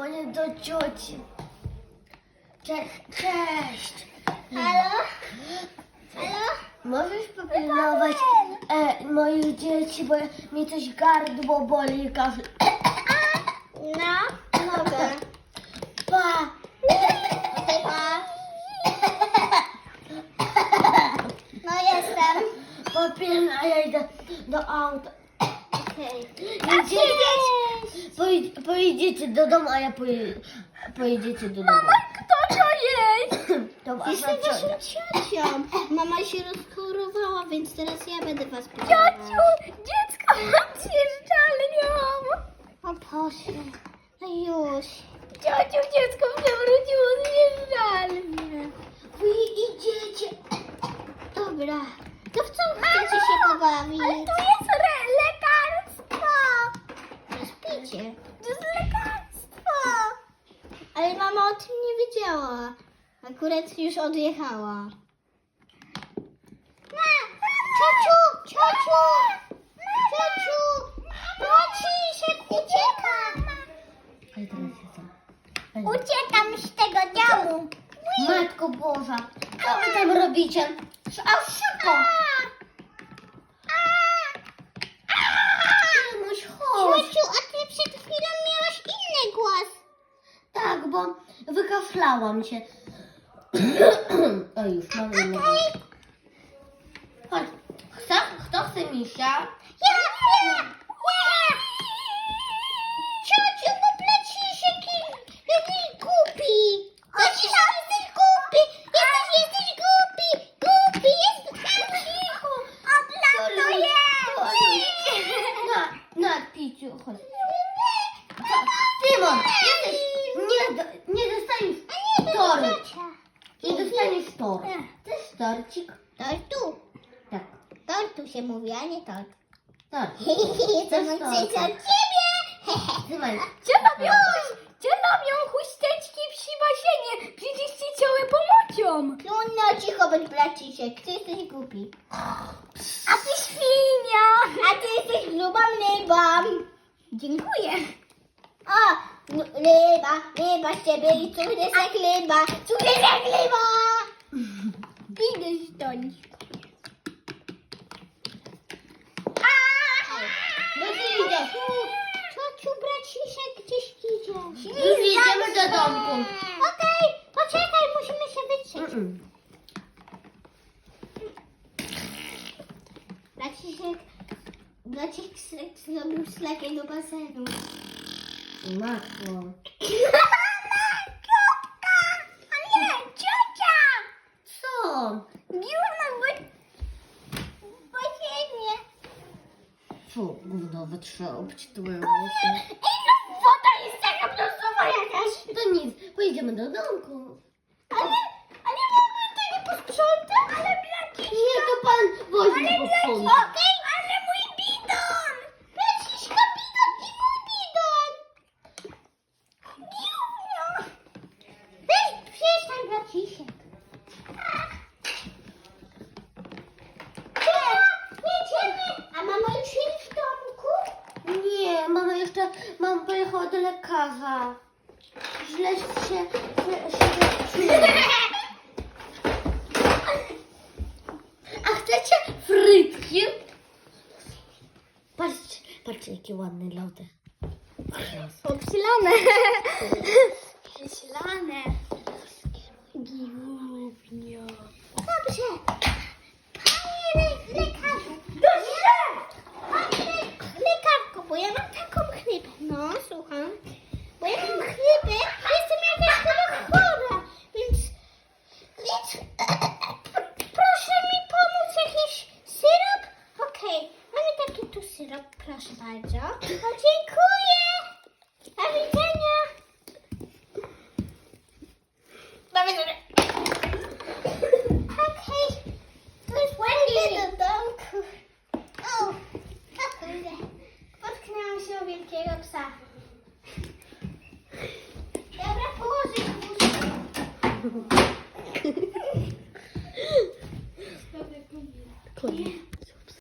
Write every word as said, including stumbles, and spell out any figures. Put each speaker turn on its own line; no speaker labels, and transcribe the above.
Dzwonię do cioci. Cześć, cześć.
Halo? Halo?
Możesz popilnować e, moich dzieci, bo mi coś gardło boli i każe.
No, mogę.
Pa!
Okej, pa. No jestem.
Popilna, ja idę do auta.
Okej.
Idzie, poj, pojedziecie do domu, a ja poje, pojedziecie do domu.
Mama, kto to jest?
To wasza
Jestem waszą
ciocia.
ciocią. Mama się rozchorowała, więc teraz ja będę was pilnować.
Ciociu, dziecko mam zjeżdżalnią.
O Boże, no już.
Ciociu, dziecko przewróciło zjeżdżalnię.
Wy idziecie. Dobra, to w co chcecie się pobawić?
Ale to jest re- lekarstwo.
Śpicie.
To jest lekarstwo.
Ale mama o tym nie wiedziała. Akurat już odjechała. Ciociu, ciociu, ciociu, Braciszek ucieka.
Ale teraz jestem. Ale...
Uciekam z tego domu.
Matko Boża, co wy tam robicie? A szybko! Mamuś, chodź.
Ciociu, a ty przed chwilą miałaś inny głos.
Tak, bo wykaflałam się. O, już mam inny głos. Chodź. Kto, kto chce misia?
Ja, ja, ja. Ciociu, bo Braciszek jest głupi. Braciszek, jesteś głupi. Jesteś, jesteś głupi. Głupi, jesteś cicho.
Sorry. Na, na, Piciu, chodź. Tymon, jesteś, nie, do- nie dostaniesz toru. Nie dostaniesz toru. Chcesz torcik?
Tortu.
Tak,
Tortu się mówi, a nie tort.
tor.
Chcę
Chcesz
od
torta?
ciebie.
Trzymaj.
Gdzie robią, gdzie robią chusteczki w basenie? Przecież ci ciały pomocią.
Trudno cicho być, Braciszek. Ty jesteś głupi.
A ty świnia.
A ty jesteś grubą rybą.
Dziękuję.
O, no, ryba, ryba z ciebie i cud jest jak ryba. Cud jest jak ryba.
Idę stąd.
No ty idziesz.
Ciociu, Braciszek gdzieś idzie.
Już idziemy do domku.
Okej, poczekaj, musimy się wytrzeć.
Mm-mm.
Braciszek, Braciszek zrobił szlakę do basenu.
Matko.
A nie, ciocia.
Co?
Dziurna w
Basenie.
Fu, gówno wytrzeba ci twoje włosy.
Ej, no woda jest taka brązowa jakaś.
To nic, pojedziemy do domku.
Ale, ale mogę tego posprzątać? Ale Braciszek.
Nie, to pan woźny posprząta.
Okej, ale mój bidon.
Braciszka, bidon i mój bidon.
Dziurna.
Weź, przestań, Braciszek. Jedziemy. A mama już jest w domku?
Nie, mama jeszcze, mama pojechała do lekarza. Źle się, źle się czuje. A chcecie frytki? Patrzcie, patrzcie jakie ładne lody.
Obsilane. Obsilane. Giłownia.
Dobrze. Panie le- lekarzu.
Dobrze.
Panie le- lekarko, bo ja mam taką chrypę. No, słucham. Bo ja mam chrypę, jestem jakaś chyba chora, więc... Więc... Proszę mi pomóc, jakiś syrop? Okej, mamy taki tu syrop, proszę bardzo. O, dziękuję. Do widzenia.
Do widzenia.
Okej, to jest ładnie do domku. O, o kurde, potknęłam się o wielkiego psa. Dobra, położę łóżko.
Koniec.